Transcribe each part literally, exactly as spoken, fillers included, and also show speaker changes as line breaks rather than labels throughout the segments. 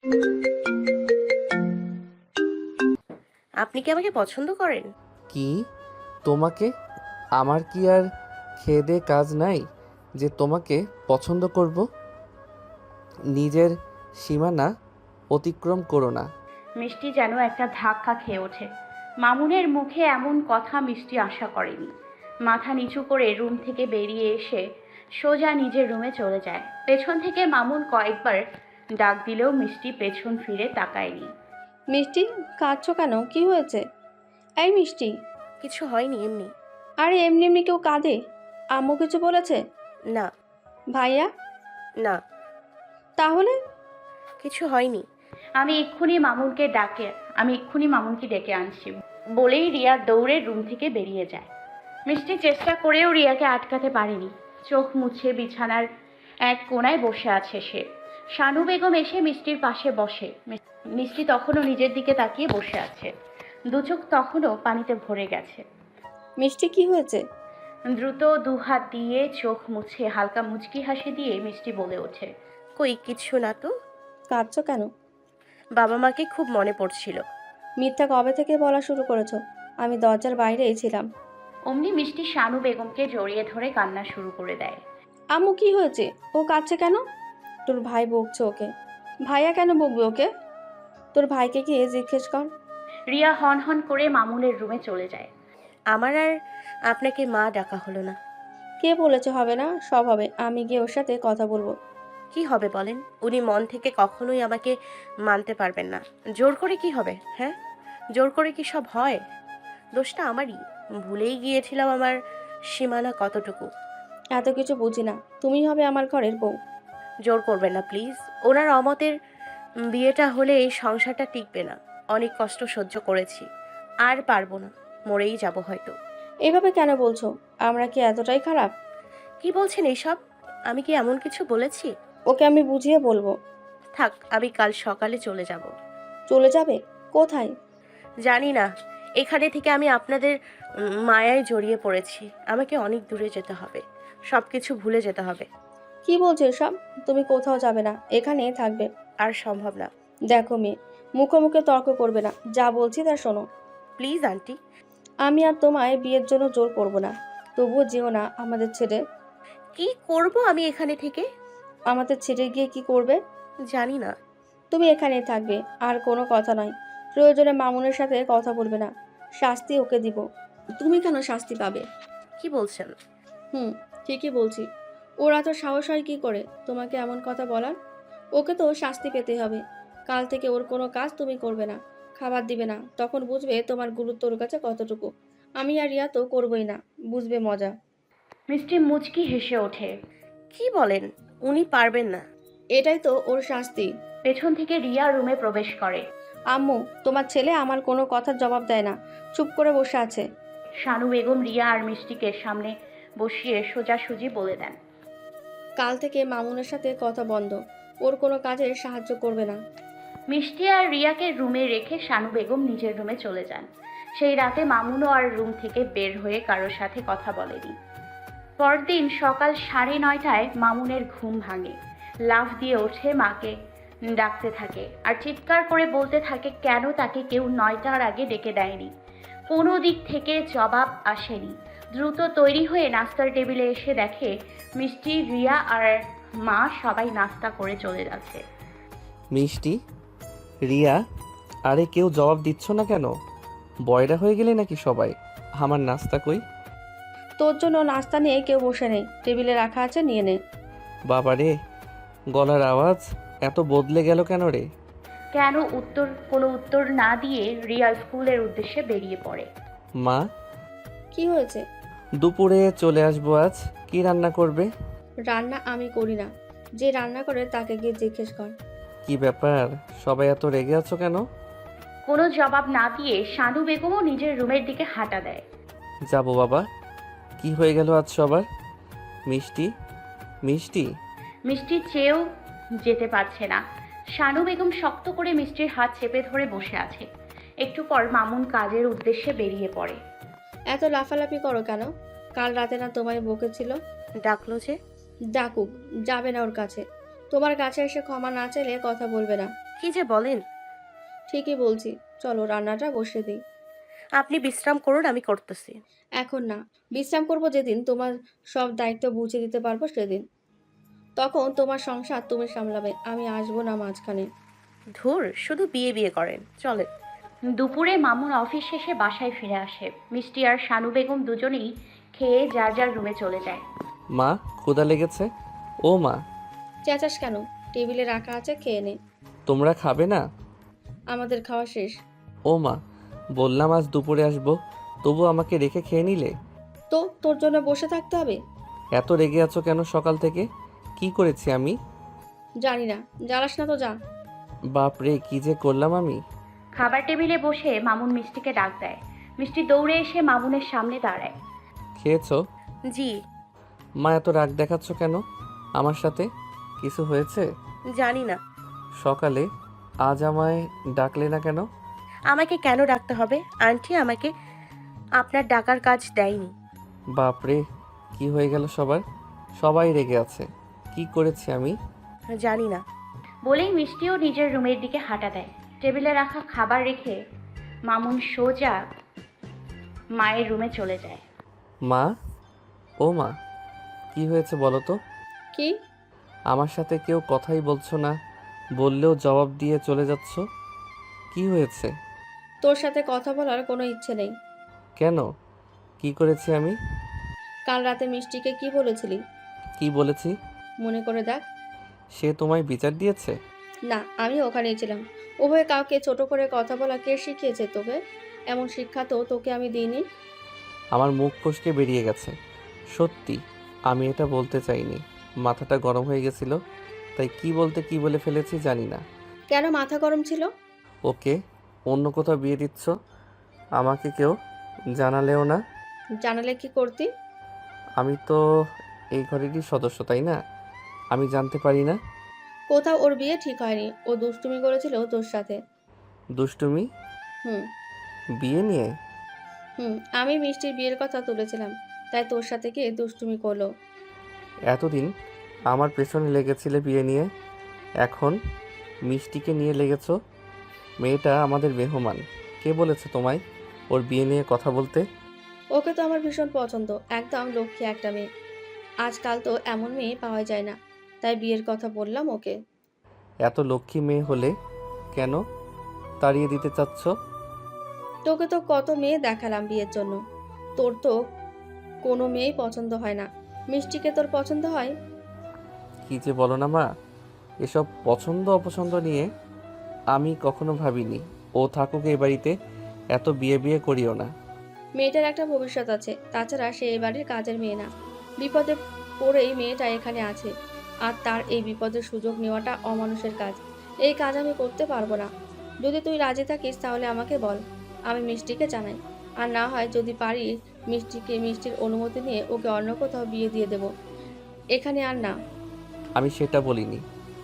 আপনি কি আমাকে পছন্দ করেন?
কি? তোমাকে? আমার কি আর খেয়ে দেয়ে কাজ নাই যে তোমাকে পছন্দ করব? নিজের সীমানা অতিক্রম করো না।
মিষ্টি যেন একটা ধাক্কা খেয়ে ওঠে। মামুনের মুখে এমন কথা মিষ্টি আশা করেনি। মাথা নিচু করে রুম থেকে বেরিয়ে এসে সোজা নিজের রুমে চলে যায়। পেছন থেকে মামুন কয়েকবার ডাক দিলেও মিষ্টি পেছন ফিরে তাকায়নি।
মিষ্টি, কাঁদছো কেন? কি হয়েছে? এই মিষ্টি।
কিছু হয়নি, এমনি।
আরে এমনি এমনি কেউ কাঁদে? আম্মু কিছু বলেছে?
না।
ভাইয়া?
না,
তাহলে?
কিছু হয়নি।
আমি এক্ষুনি মামুনকে ডাকে আমি এক্ষুনি মামুনকে ডেকে আনছি বলেই রিয়া দৌড়ে রুম থেকে বেরিয়ে যায়। মিষ্টি চেষ্টা করেও রিয়াকে আটকাতে পারেনি। চোখ মুছে বিছানার এক কোণায় বসে আছে সে। শানু বেগম এসে মিষ্টির পাশে বসে। মিষ্টি তখনও নিজের দিকে তাকিয়ে বসে আছে। দু চোখ তখনও পানিতে ভরে গেছে।
মিষ্টি, কি হয়েছে?
দ্রুত দুহাত দিয়ে চোখ মুছে হালকা মুচকি হাসি দিয়ে মিষ্টি বলে ওঠে,
কই কিছু না তো।
কাঁদছো কেন?
বাবা মাকে খুব মনে পড়ছিল।
মিথ্যা কবে থেকে বলা শুরু করেছো? আমি দরজার বাইরেই ছিলাম।
অমনি মিষ্টি শানু বেগমকে জড়িয়ে ধরে কান্না শুরু করে দেয়।
আম্মু, কি হয়েছে? ও কাঁদছে কেন? তোর ভাই বকছে ওকে। ভাইয়া কেন বকবে ওকে? তোর ভাইকে গিয়ে জিজ্ঞেস কর।
রিয়া হন হন করে মামুনের রুমে চলে যায়।
আমার আর আপনাকে মা ডাকা হলো না।
কে বলেছে হবে না? সব হবে। আমি গিয়ে ওর সাথে কথা বলবো।
কি হবে বলেন? উনি মন থেকে কখনোই আমাকে মানতে পারবেন না। জোর করে কি হবে? হ্যাঁ, জোর করে কি সব হয়? দোষটা আমারই। ভুলেই গিয়েছিলাম আমার সীমানা কতটুকু।
এত কিছু বুঝি না। তুমি হবে আমার ঘরের বউ।
জোর করবেন না প্লিজ। ওনার অমতের বিয়েটা হলে এই সংসারটা টিকবে না। অনেক কষ্ট সহ্য করেছি, আর পারবো না। মরেই যাব হয়তো।
এভাবে কেন বলছো? আমরা কি এতটাই খারাপ?
কি বলছেন এইসব? আমি কি এমন কিছু বলেছি?
ওকে আমি বুঝিয়ে বলবো।
থাক, আমি কাল সকালে চলে যাব।
চলে যাবে? কোথায়?
জানি না। এখানে থেকে আমি আপনাদের উম, মায়ায় জড়িয়ে পড়েছি। আমাকে অনেক দূরে যেতে হবে। সব কিছু ভুলে যেতে হবে।
কি বলছো এসব? তুমি কোথাও যাবে না, এখানেই থাকবে।
আর সম্ভব না।
দেখো মেয়ে, মুখে মুখে তর্ক করবে না। যা বলছি তা শোনো।
Please aunty.
আমি আর তোমায় বিয়ের জন্য জোর করব না। তবুও যেও না আমাদের ছেড়ে।
কি করব আমি এখানে থেকে?
আমাদের ছেড়ে গিয়ে কি করবে?
জানি না।
তুমি এখানেই থাকবে, আর কোনো কথা নয়। প্রয়োজনে মামুনের সাথে কথা বলবে না। শাস্তি ওকে দিব। তুমি কেন শাস্তি পাবে?
কি বলছেন?
হুম, ঠিকই বলছি। ওরা তো সাহস হয় কি করে তোমাকে এমন কথা বলার? ওকে তো শাস্তি পেতে হবে। কাল থেকে ওর কোনো কাজ তুমি করবে না, খাবার দিবে না। তখন বুঝবে তোমার গুরুত্ব ওর কাছে কতটুকু। আমি আর রিয়া তো করবই না, বুঝবে মজা।
মিষ্টি মুচকি হেসে ওঠে।
কি বলেন? উনি পারবেন না।
এটাই তো ওর শাস্তি।
পেছন থেকে রিয়া রুমে প্রবেশ করে।
আম্মু, তোমার ছেলে আমার কোনো কথার জবাব দেয় না, চুপ করে বসে আছে।
শানু বেগম রিয়া আর মিষ্টিকে সামনে বসিয়ে সোজাসুজি বলে দেন,
কাল থেকে মামুনের সাথে কথা বন্ধ। ওর কোনো কাজে সাহায্য করবে না।
মিষ্টি আর রিয়াকে রুমে রেখে শানু বেগম নিজের রুমে চলে যান। সেই রাতে মামুনও আর রুম থেকে বের হয়ে কারোর সাথে কথা বলেনি। পরদিন সকাল সাড়ে নয়টায় মামুনের ঘুম ভাঙে। লাফ দিয়ে ওঠে, মাকে ডাকতে থাকে আর চিৎকার করে বলতে থাকে কেন তাকে কেউ নয়টার আগে ডেকে দেয়নি। কোনো দিক থেকে জবাব আসেনি। দ্রুত তৈরি হয়ে নাস্তার টেবিলে এসে দেখে মিষ্টি, রিয়া আর মা সবাই নাস্তা করে চলে যাচ্ছে।
মিষ্টি, রিয়া, আরে কেউ জবাব দিচ্ছ না কেন? বয়রা হয়ে গেলে নাকি সবাই? আমার নাস্তা কই?
তোর জন্য নাস্তা নিয়ে কেউ বসে নেই, টেবিলে রাখা আছে, নিয়ে নে।
বাবা রে, গলার আওয়াজ এত বদলে গেল কেন রে?
কেন উত্তর কোনো উত্তর না দিয়ে রিয়া স্কুলের উদ্দেশ্যে বেরিয়ে পড়ে।
মা,
কি হয়েছে?
দুপুরে চলে আসবো আজ। কি রান্না করবে?
রান্না আমি করি না, যে রান্না করে তাকে গিয়ে জিজ্ঞেস কর।
কি ব্যাপার, সবাই এত রেগে আছো কেন?
কোনো জবাব না দিয়ে শানু বেগমও নিজের রুমের দিকে হাঁটা দেয়।
যাবো বাবা। কি হয়ে গেল আজ সবার? মিষ্টি, মিষ্টি।
মিষ্টি চেয়েও যেতে পারছে না। শানু বেগম শক্ত করে মিষ্টির হাত চেপে ধরে বসে আছে। একটু পর মামুন কাজের উদ্দেশ্যে বেরিয়ে পড়ে।
এত লাফালাফি করো কেন? কাল রাতে না তোমায় বকেছিল?
ডাকলো যে।
ডাকুক, যাবে না ওর কাছে। তোমার কাছে এসে ক্ষমা না চাইলে কথা বলবে না।
কি যে বলেন।
ঠিকই বলছি, চলো রান্নাটা বসে দিই।
আপনি বিশ্রাম করুন, আমি করতেছি।
এখন না, বিশ্রাম করব যেদিন তোমার সব দায়িত্ব বুঝে দিতে পারবো সেদিন। তখন তোমার সংসার তুমি সামলাবে, আমি আসবো না মাঝখানে।
ধুর, শুধু বিয়ে বিয়ে করেন, চলেন।
দুপুরে মামুন অফিস শেষে বাসায় ফিরে আসে। মিষ্টি আর শানু বেগম দুজনেই খেয়ে যার যার রুমে চলে যায়।
মা, ক্ষুধা লেগেছে। ও মা,
চেঁচাস কেন? টেবিলে রাখা আছে, খেয়ে নে।
তোমরা খাবে না?
আমাদের খাওয়া শেষ।
ও মা, বললাম আজ দুপুরে আসবো, তবু আমাকে রেখে খেয়ে নিলে।
তো তোর জন্য বসে থাকতে হবে?
এত রেগে আছো কেন সকাল থেকে? কি করেছি আমি?
জানি না, জ্বালাস না তো যা।
বাপরে, কি যে করলাম আমি।
খাবার টেবিলে বসে মামুন মিষ্টিকে ডাক দেয়। মিষ্টি দৌড়ে এসে মামুনের সামনে দাঁড়ায়।
খেয়েছো?
জি।
মা, এত রাগ দেখাচ্ছ কেন আমার সাথে? কিছু হয়েছে?
জানি না।
সকালে আজ আমায় ডাকলে না কেন?
আমাকে কেন ডাকতে হবে? আন্টি আমাকে আপনার ডাকার কাজ দেয়নি।
বাপরে, কি হয়ে গেল সবার? সবাই রেগে আছে। কি করেছি আমি?
জানি না।
বলেই মিষ্টিও নিজের রুমের দিকে হাঁটা দেয়। টেবিলে রাখা খাবার রেখে মামুন সোজা মায়ের রুমে চলে যায়।
মা, ও মা, কি হয়েছে বলো তো?
কি?
আমার সাথে কেউ কথাই বলছো না, বললেও জবাব দিয়ে চলে যাচ্ছ। কি হয়েছে?
তোর সাথে কথা বলার কোনো ইচ্ছে নেই।
কেন? কি করেছি আমি?
কাল রাতে মিষ্টিকে কি বলেছিলি?
কি বলেছি?
মনে করে দেখ।
সে তোমায় বিচার দিয়েছে?
না, আমি ওখানেই ছিলাম। উভয়ে কাউকে ছোট করে কথা বলা কে শিখিয়েছে তোকে? এমন শিক্ষা তো তোকে আমি দিইনি।
আমার মুখ ফসকে বেরিয়ে গেছে। সত্যি, আমি এটা বলতে চাইনি। মাথাটা গরম হয়ে গেছিল, তাই কি বলতে কি বলে ফেলেছি জানি না।
কেন মাথা গরম ছিল?
ওকে অন্য কোথাও বিয়ে দিচ্ছ, আমাকে কেউ জানালেও না।
জানালে কি করতি?
আমি তো এই ঘরেরই সদস্য, তাই না? আমি জানতে পারি না?
কোথাও ওর বিয়ে ঠিক হয়নি, ও দুষ্টুমি করেছিল তোর সাথে।
দুষ্টুমি?
হুম
বিয়ে নিয়ে?
হুম আমি মিষ্টির বিয়ের কথা তুলেছিলাম, তাই তোর সাথে গিয়ে দুষ্টুমি করলো।
এতদিন আমার পেছনে লেগেছিলে বিয়ে নিয়ে, এখন মিষ্টিকে নিয়ে লেগেছ। মেয়েটা আমাদের মেহমান। কে বলেছে তোমায় ওর বিয়ে নিয়ে কথা বলতে?
ওকে তো আমার ভীষণ পছন্দ, একদম লক্ষ্মী একটা মেয়ে। আজকাল তো এমন মেয়ে পাওয়া যায় না, তাই বিয়ের কথা বললাম ওকে।
এত লক্ষ্মী মেয়ে হলে কেন তাড়িয়ে দিতে চাচ্ছ?
তোকে তো কত মেয়ে দেখালাম বিয়ের জন্য, তোর তো কোনো মেয়েই পছন্দ হয় না। মিষ্টিকে তোর পছন্দ হয়?
কি যে বলো না মা, এসব পছন্দ অপছন্দ নিয়ে আমি কখনো ভাবিনি। ও থাকুক এই বাড়িতে, এত বিয়ে বিয়ে করিও না।
মেয়েটার একটা ভবিষ্যৎ আছে, তাছাড়া সে এই বাড়ির কাজের মেয়ে না। বিপদে পড়েই মেয়েটা এখানে আছে, আর তার এই বিপদের সুযোগ নেওয়াটা অমানুষের কাজ। এই কাজ আমি করতে পারবো না। যদি তুই রাজি থাকিস তাহলে আমাকে বল, আমি মিষ্টিকে জানাই। আর না হয় যদি পারি, মিষ্টিকে মিষ্টির অনুমতি নিয়ে ওকে অন্য কোথাও বিয়ে দিয়ে দেব, এখানে আর না।
আমি সেটা বলিনি।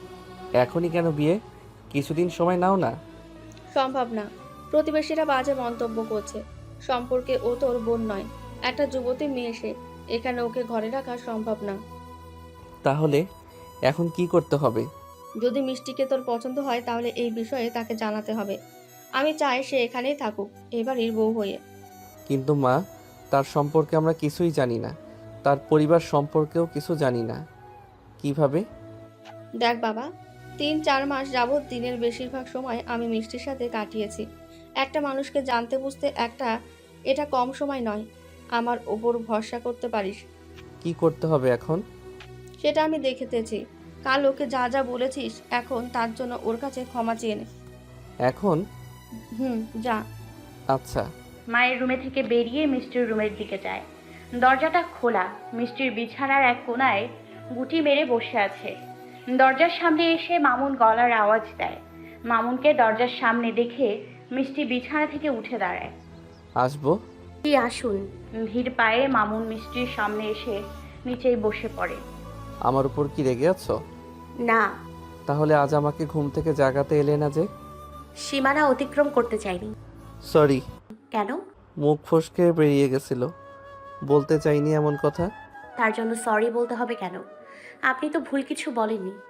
এখনই কেন বিয়ে? কিছুদিন সময় নাও না।
সম্ভব না। প্রতিবেশীরা বাজে মন্তব্য করছে। সম্পর্কে ও তোর বোন নয়, একটা যুবতী মেয়ে সে। এখানে ওকে ঘরে রাখা সম্ভব না।
তাহলে এখন কি করতে হবে?
যদি মিষ্টিকে তোর পছন্দ হয় তাহলে এই বিষয়ে তাকে জানাতে হবে। আমি চাই সে এখানেই থাকুক, এবারের বউ হয়ে।
কিন্তু মা, তার সম্পর্কে আমরা কিছুই জানি না, তার পরিবার সম্পর্কেও কিছু জানি না। কিভাবে?
দেখ বাবা, তিন চার মাস যাবৎ দিনের বেশিরভাগ সময় আমি মিষ্টির সাথে কাটিয়েছি। একটা মানুষকে জানতে বুঝতে একটা এটা কম সময় নয়। আমার ওপর ভরসা করতে পারিস।
কি করতে হবে এখন?
সেটা আমি দেখেতেছি। কাল ওকে যা যা বলেছিস, এখন তার জন্য ওর কাছে ক্ষমা চেয়ে নে।
এখন?
হুম, যা।
আচ্ছা।
মায়ের রুমে থেকে বেরিয়ে মিষ্টির রুমের দিকে যায়। দরজাটা খোলা। মিষ্টির বিছানার এক কোণায় গুটি মেরে বসে আছে। দরজার সামনে এসে মামুন গলার আওয়াজ দেয়। মামুনকে দরজার সামনে দেখে মিষ্টি বিছানা থেকে উঠে দাঁড়ায়।
আসবো?
কি আসুন।
ভিড় পায়ে মামুন মিষ্টির সামনে এসে নিচেই বসে পড়ে।
আমার উপর কি রেগে আছো?
না,
তাহলে আজ আমাকে ঘুম থেকে জাগাতে এলে না যে?
সীমানা অতিক্রম করতে চাইনি।
সরি।
কেন?
মুখ ফসকে বেরিয়ে গেছিল, বলতে চাইনি এমন কথা।
তার জন্য সরি বলতে হবে কেন? আপনি তো ভুল কিছু বলেননি।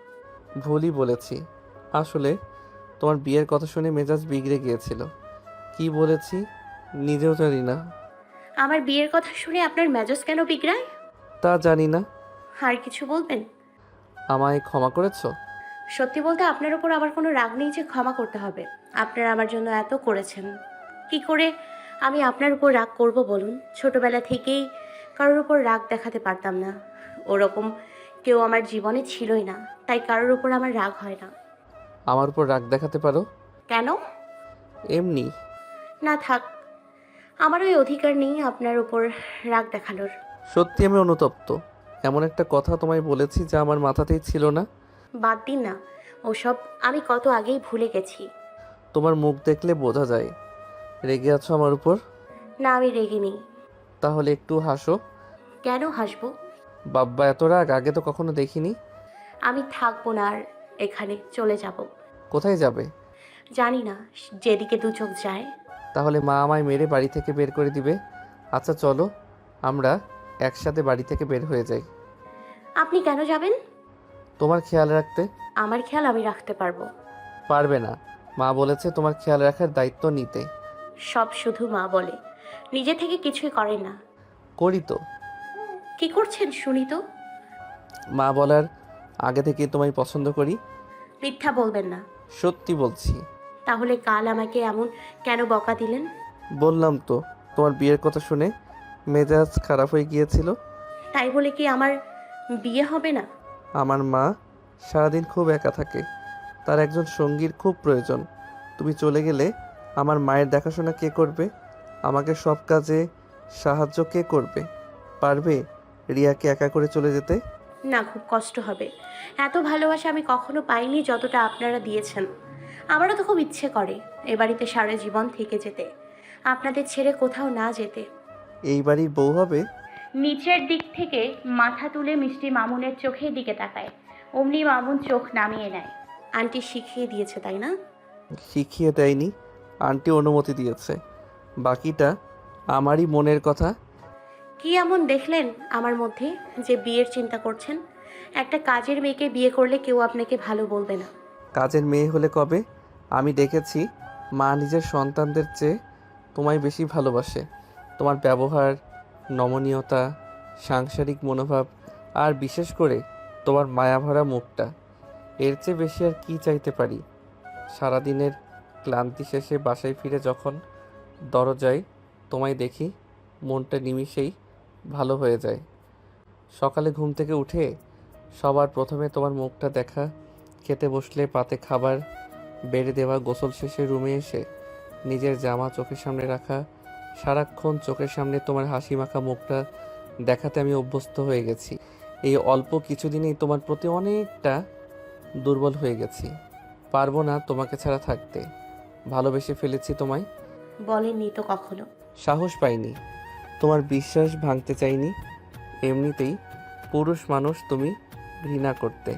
ভুলই বলেছি। আসলে তোমার বিয়ের কথা শুনে মেজাজ বিগড়ে গিয়েছিল। কি বলেছি নিজেও জানি না।
আমার বিয়ের কথা শুনে আপনার মেজাজ কেন বিগড়ায়?
তা জানি না।
আর কিছু বলবেন?
আমায় ক্ষমা করেছো?
সত্যি বলতে আপনার উপর আমার কোনো রাগ নেই যে ক্ষমা করতে হবে। আপনারা আমার জন্য এত করেছেন, কি করে আমি আপনার উপর রাগ করব বলুন? ছোটবেলা থেকেই কারোর উপর রাগ দেখাতে পারতাম না। ওরকম কেউ আমার জীবনে ছিলই না, তাই কারোর উপর আমার রাগ হয় না।
আমার উপর রাগ দেখাতে পারো?
কেন?
এমনি।
না থাক, আমার ওই অধিকার নেই আপনার উপর রাগ দেখানোর।
সত্যি আমি অনুতপ্ত। এমন একটা কথা তোমায় বলেছি যা আমার মাথাতেই ছিল না।
বাদ দিন না ওসব, আমি কত আগেই ভুলে গেছি।
তোমার মুখ দেখলে বোঝা যায় রেগে আছো আমার উপর।
না, আমি রেগে নেই।
তাহলে একটু হাসো।
কেন হাসবো?
বাব্বা, এত রাগ আগে তো কখনো দেখিনি।
আমি থাকবো না আর এখানে, চলে যাব।
কোথায় যাবে?
জানি না, যেদিকে দু চোখ যায়।
তাহলে মা আমায় মেরে বাড়ি থেকে বের করে দিবে। আচ্ছা চলো আমরা একসাথে বাড়ি থেকে বের হয়ে যাই।
আপনি কেন যাবেন?
তোমার খেয়াল রাখতে।
আমার খেয়াল আমি রাখতে পারবো।
পারবে না, মা বলেছে তোমার খেয়াল রাখার দায়িত্ব নিতে।
সব শুধু মা বলে, নিজে থেকে কিছুই করেন না।
করি তো।
কি করছেন শুনি তো?
মা বলার আগে থেকে তোমায় পছন্দ করি।
মিথ্যা বলবেন না।
সত্যি বলছি।
তাহলে কাল আমাকে এমন কেন বকা দিলেন?
বললাম তো তোমার বিয়ের কথা শুনে মেজাজ খারাপ হয়ে গিয়েছিল।
তাই বলে কি আমার বিয়ে হবে না?
আমার মা সারাদিন খুব একা থাকে, তার একজন সঙ্গীর খুব প্রয়োজন। তুমি চলে গেলে আমার মায়ের দেখাশোনা কে করবে? আমাকে সব কাজে সাহায্য কে করবে? পারবে রিয়াকে একা করে চলে যেতে?
না, খুব কষ্ট হবে। এত ভালোবাসা আমি কখনো পাইনি যতটা আপনারা দিয়েছেন। আমারও তো খুব ইচ্ছে করে এ বাড়িতে সারা জীবন থেকে যেতে, আপনাদের ছেড়ে কোথাও না যেতে।
এই বাড়ির বউ হবে?
নিচের দিক থেকে মাথা তুলে মিষ্টি মামুনের চোখের দিকে তাকায়। অমনি মামুন চোখ নামিয়ে নেয়।
আন্টি শিখিয়ে দিয়েছে তাই না?
শিখিয়ে দেয়নি, আন্টি অনুমতি দিয়েছে। বাকিটা আমারই মনের কথা।
কি এমন দেখলেন আমার মধ্যে যে বিয়ের চিন্তা করছেন? একটা কাজের মেয়েকে বিয়ে করলে কেউ আপনাকে ভালো বলবে না।
কাজের মেয়ে হলে কবে? আমি দেখেছি মা নিজের সন্তানদের চেয়ে তোমায় বেশি ভালোবাসে। তোমার ব্যবহার, নমনীয়তা, সাংসারিক মনোভাব আর বিশেষ করে তোমার মায়াভরা মুখটা, এর চেয়ে বেশি আর কি চাইতে পারি? সারাদিনের ক্লান্তি শেষে বাসায় ফিরে যখন দরজায় তোমায় দেখি, মনটা নিমিষেই ভালো হয়ে যায়। সকালে ঘুম থেকে উঠে সবার প্রথমে তোমার মুখটা দেখা, খেতে বসলে পাতে খাবার বেড়ে দেওয়া, গোসল শেষে রুমে এসে নিজের জামা চোখের সামনে রাখা, সারাক্ষণ চোখের সামনে তোমার হাসি মাখা মুখটা দেখাতে আমি অভ্যস্ত হয়ে গেছি। এই অল্প কিছুদিনেই তোমার প্রতি অনেকটা দুর্বল হয়ে গেছি। পারবো না তোমাকে ছাড়া থাকতে। ভালোবেসে ফেলেছি তোমায়।
বলেননি তো কখনো।
সাহস পাইনি, তোমার বিশ্বাস ভাঙতে চাইনি। এমনিতেই পুরুষ মানুষ তুমি ঘৃণা করতে,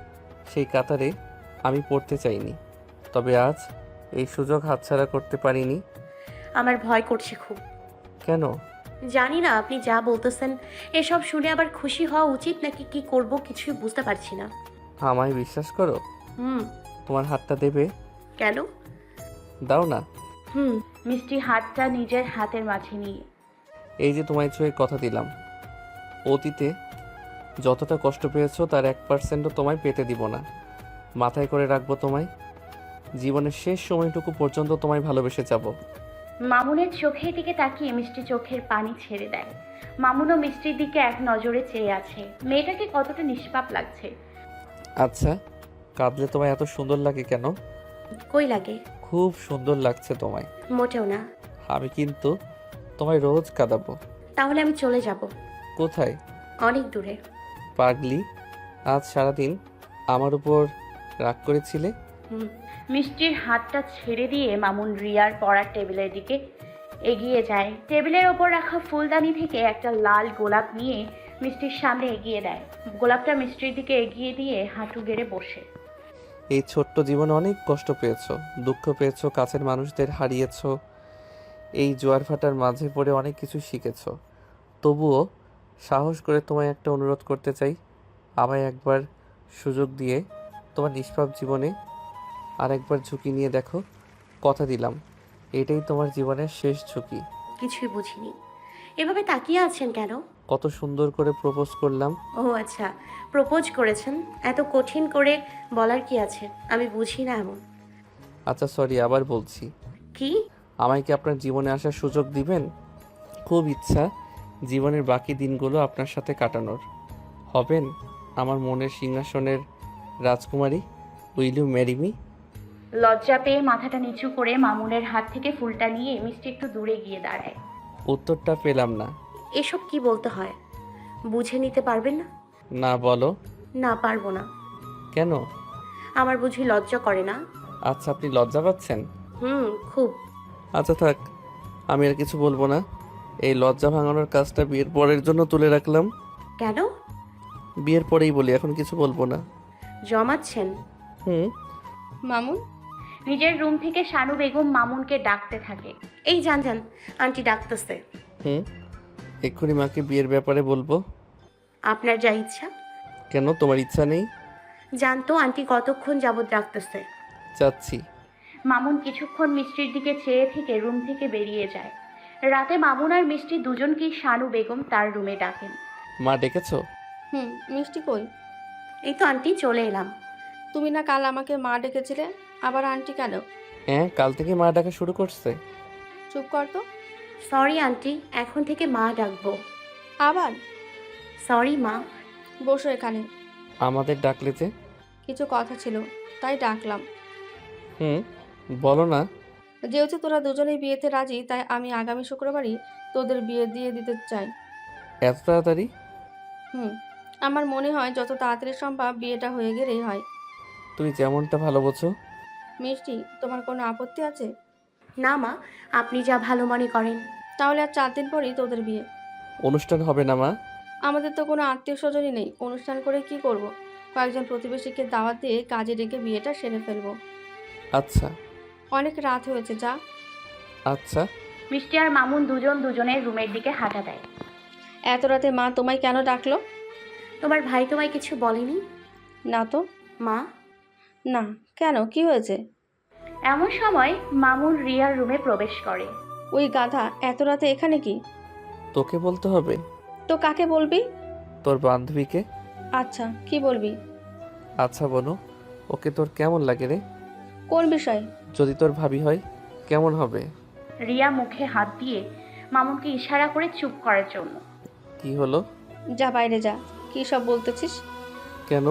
সেই কাতারে আমি পড়তে চাইনি। তবে আজ এই সুযোগ হাতছাড়া করতে পারিনি।
আমার ভয় করছে খুব।
কেন?
জানি না, আপনি যা বলতেছেন এসব শুনে আবার খুশি হওয়া উচিত নাকি কি করব কিছুই বুঝতে পারছি না।
আমায় বিশ্বাস করো।
হুম।
তোমার হাতটা দেবে?
কেন?
দাও না।
হুম।
মিষ্টি হাতটা নিজের হাতের মাঝে নিয়ে।
এই যে তোমায় ছুঁয়ে কথা দিলাম, অতীতে যতটা কষ্ট পেয়েছো তার এক পার্সেন্টও তোমায় পেতে দিব না। মাথায় করে রাখবো তোমায়। জীবনের শেষ সময়টুকু পর্যন্ত তোমায় ভালোবেসে যাব।
মামুনের চোখের দিকে তাকিয়ে মিষ্টি চোখের পানি ছেড়ে দেয়। মামুনও মিষ্টির দিকে এক নজরে চেয়ে আছে। মেয়েটাকে কতটা নিষ্পাপ লাগছে।
আচ্ছা, কাঁদলে তোমায় এত সুন্দর লাগে কেন?
কই লাগে?
খুব সুন্দর লাগছে তোমায়।
মোটেও না।
আমি কিন্তু তোমায় রোজ কাঁদাবো।
তাহলে আমি চলে যাব।
কোথায়?
অনেক দূরে।
পাগলি, আজ সারাদিন আমার উপর রাগ করেছিলে।
হুম।
মিষ্টির হাতটা ছেড়ে দিয়ে মামুন রিয়ার পড়ার টেবিলের দিকে এগিয়ে যায়। টেবিলের ওপর রাখা ফুলদানি থেকে একটা লাল গোলাপ নিয়ে মিষ্টির সামনে এগিয়ে দেয়। গোলাপটা মিষ্টির দিকে এগিয়ে দিয়ে হাঁটু গেড়ে বসে।
এই ছোট্ট জীবনে অনেক কষ্ট পেয়েছো, দুঃখ পেয়েছো, কাছের মানুষদের হারিয়েছো, এই জোয়ার ভাটার মাঝে পড়ে অনেক কিছু শিখেছো। তবুও সাহস করে তোমায় একটা অনুরোধ করতে চাই। আমায় একবার সুযোগ দিয়ে তোমার নিষ্পাপ জীবনে আরেকবার ঝুঁকি নিয়ে দেখো। কথা দিলাম এটাই তোমার জীবনের শেষ ঝুঁকি।
কিছুই বুঝিনি। এভাবে তাকিয়ে আছেন কেন?
কত সুন্দর করে প্রপোজ করলাম।
ও আচ্ছা, প্রপোজ করেছেন। এত কঠিন করে বলার কি আছে? আমি বুঝি না এমন।
আচ্ছা সরি, আবার বলছি।
কি?
আমায় কি আপনার জীবনে আসার সুযোগ দিবেন? খুব ইচ্ছা জীবনের বাকি দিনগুলো আপনার সাথে কাটানোর। হবেন আমার মনের সিংহাসনের রাজকুমারী। Will you marry me?
লজ্জা পেয়ে মাথাটা নিচু করে মামুনের হাত থেকে ফুলটা নিয়ে মিষ্টি একটু দূরে গিয়ে দাঁড়ায়।
উত্তরটা পেলাম না।
এসব কি বলতে হয়? বুঝে নিতে পারবেন না?
না বলো।
না, পারবো না।
কেন?
আমার বুঝি লজ্জা করে না?
আচ্ছা আপনি লজ্জা পাচ্ছেন?
হুম, খুব।
আচ্ছা থাক, আমি আর কিছু বলবো না। এই লজ্জা ভাঙানোর কাজটা বিয়ের পরের জন্য তুলে রাখলাম।
কেন?
বিয়ের পরেই বলি, এখন কিছু বলবো না।
জমাচ্ছেন?
হুম।
মামুন,
নিজের রুম থেকে শানু বেগম মামুনকে ডাকতে থাকে।
এই যান যান, আন্টি ডাকতেছে।
হুম, এক্ষুনি মাকে বিয়ের ব্যাপারে বলবো।
আপনার যা ইচ্ছা।
কেন, তোমার ইচ্ছা নেই?
জানতো আন্টি কতক্ষণ যাবত ডাকতেছে।
চাচ্ছি।
মামুন কিছুক্ষণ মিষ্টির দিকে চেয়ে থেকে রুম থেকে বেরিয়ে যায়। রাতে মামুন আর মিষ্টি দুজনকেই শানু বেগম তার রুমে ডাকেন।
মা ডেকেছো?
হুম, মিষ্টি কই?
এই তো আন্টি, চলে এলাম।
তুমি না কাল আমাকে মা ডেকেছিলে, আবার আন্টি কেন?
হ্যাঁ, কাল থেকে মা ডাকা শুরু করছে।
চুপ কর তো।
সরি আন্টি, এখন থেকে মা ডাকবো।
আবার?
সরি মা।
বসো এখানে।
আমাদের ডাকলে যে?
কিছু কথা ছিল, তাই ডাকলাম।
হুম, বলো না।
যেহেতু তোরা দুজনেই বিয়েতে রাজি, তাই আমি আগামী শুক্রবারই তোদের বিয়ে দিয়ে দিতে চাই।
এত তাড়াতাড়ি?
হুম, আমার মনে হয় যত তাড়াতাড়ি সম্ভব বিয়েটা হয়ে গেলেই হয়।
তুমি যেমনটা ভালো বোঝো।
মিষ্টি, তোমার কোনো আপত্তি আছে?
না মা, আপনি যা ভালো মনে করেন।
তাহলে আর চার দিন পরেই তোদের বিয়ে।
অনুষ্ঠান হবে না মা?
আমাদের তো কোনো আত্মীয় স্বজনই নেই, অনুষ্ঠান করে কি করব? কয়েকজন প্রতিবেশীকে দাওয়াত দিয়ে কাজে ডেকে বিয়েটা সেরে ফেলবো।
আচ্ছা।
অনেক রাত হয়েছে, যা।
আচ্ছা।
মিষ্টি আর মামুন দুজন দুজনের রুমের দিকে হাঁটা দেয়।
এত রাতে মা তোমায় কেন ডাকলো?
তোমার ভাই তোমায় কিছু বলেনি?
না তো।
মা।
না, কেন, কি হয়েছে?
এমন সময় মামুন রিয়ার রুমে প্রবেশ করে।
ওই গাধা এত রাতে এখানে কি?
তোকে বলতে হবে?
তো কাকে বলবি?
তোর বান্ধবীকে।
আচ্ছা, কি বলবি?
আচ্ছা বনু, ওকে তোর কেমন লাগে রে?
কোন বিষয়?
যদি তোর ভাবি হয় কেমন হবে?
রিয়া মুখে হাত দিয়ে মামুনকে ইশারা করে চুপ করার জন্য।
কি হলো?
যা বাইরে যা। কি সব বলতেছিস?
কেন,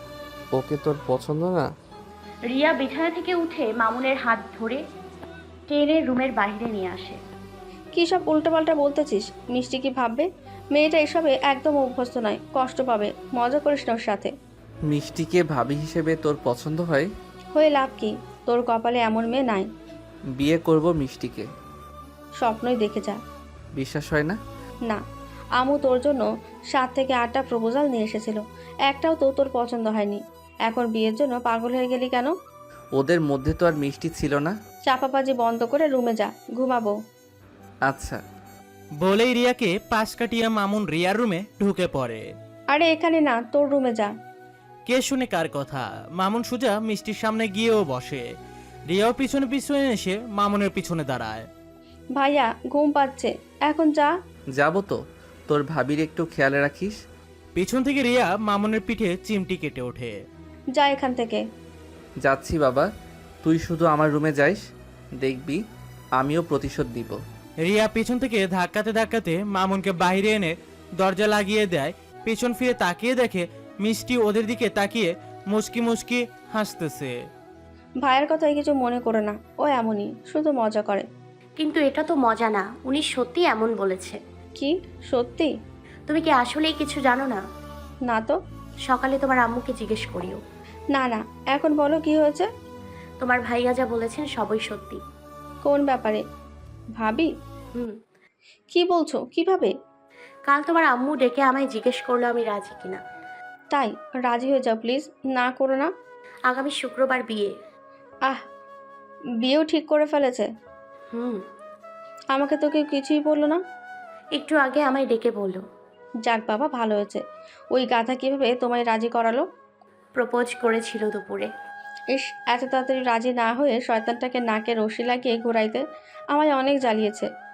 ওকে তোর পছন্দ না?
রিয়া বিছানা থেকে উঠে মামুনের হাত ধরে টেনে রুমের বাইরে নিয়ে আসে।
কি সব উল্টোপাল্টা বলতেছিস? মিষ্টি কি ভাববে? মেয়েটা এসবে একদম অভ্যস্ত নয়, কষ্ট পাবে। মজা করিস না ওর সাথে।
মিষ্টিকে ভাবি হিসেবে তোর পছন্দ হয়?
হয়ে লাভ কি? তোর কপালে এমন মেয়ে নাই।
বিয়ে করব মিষ্টিকে।
স্বপ্নই দেখে যা।
বিশ্বাস হয় না?
না, আমু তোর জন্য সাত থেকে আটটা প্রপোজাল নিয়ে এসেছিল, একটাও তো তোর পছন্দ হয়নি। এখন বিয়ের জন্য পাগল হয়ে গেলি কেন?
ওদের মধ্যে তো আর মিষ্টি ছিল না।
চাপাবাজি বন্ধ করে রুমে যা, ঘুমাবো।
আচ্ছা।
বলেই রিয়াকে পাশ কাটিয়ে মামুন রিয়ার রুমে ঢুকে পড়ে।
আরে এখানে না, তোর রুমে যা।
কে শুনে কার কথা? মামুন সোজা মিষ্টির সামনে গিয়েও বসে। রিয়াও পিছনে পিছনে এসে মামুনের পিছনে দাঁড়ায়।
ভাইয়া, ঘুম পাচ্ছে, এখন যা।
যাবো তো, তোর ভাবির একটু খেয়াল রাখিস।
পিছন থেকে রিয়া মামুনের পিঠে চিমটি কেটে ওঠে।
যা এখান থেকে।
যাচ্ছি বাবা, তুই শুধু আমার রুমে যাইস, দেখবি আমিও প্রতিশোধ দিব।
রিয়া পিছন থেকে ধাক্কাতে ধাক্কাতে মামুনকে বাইরে এনে দরজা লাগিয়ে দেয়। পেছন ফিরে তাকিয়ে দেখে মিষ্টি ওদের দিকে তাকিয়ে মুচকি মুচকি হাসতেছে।
ভাইয়ের কথাই কিছু মনে করে না, ও এমনই, শুধু মজা করে।
কিন্তু এটা তো মজা না, উনি সত্যি এমন বলেছে।
কি সত্যি?
তুমি কি আসলেই কিছু জানো না?
না তো।
সকালে তোমার আম্মুকে জিজ্ঞেস করিও।
না না, এখন বলো কি হয়েছে।
তোমার ভাইয়া যা বলেছেন সবই সত্যি।
কোন ব্যাপারে? ভাবি?
হুম।
কি বলছো, কিভাবে?
কাল তোমার আম্মু ডেকে আমায় জিজ্ঞেস করলো আমি রাজি কিনা।
তাই? রাজি হয়ে যাও প্লিজ, না করো না।
আগামী শুক্রবার বিয়ে।
আহ, বিয়েও ঠিক করে ফেলেছে?
হুম।
আমাকে তো কেউ কিছুই বললো না।
একটু আগে আমায় ডেকে বললো।
যাক বাবা, ভালো হয়েছে। ওই গাধা কিভাবে তোমায় রাজি করালো?
প্রপোজ করেছিল দুপুরে।
ইস, এত তাড়াতাড়ি রাজি না হয়ে শয়তানটাকে নাকে রশি লাগিয়ে ঘুরাইতে আমায় অনেক জ্বালিয়েছে।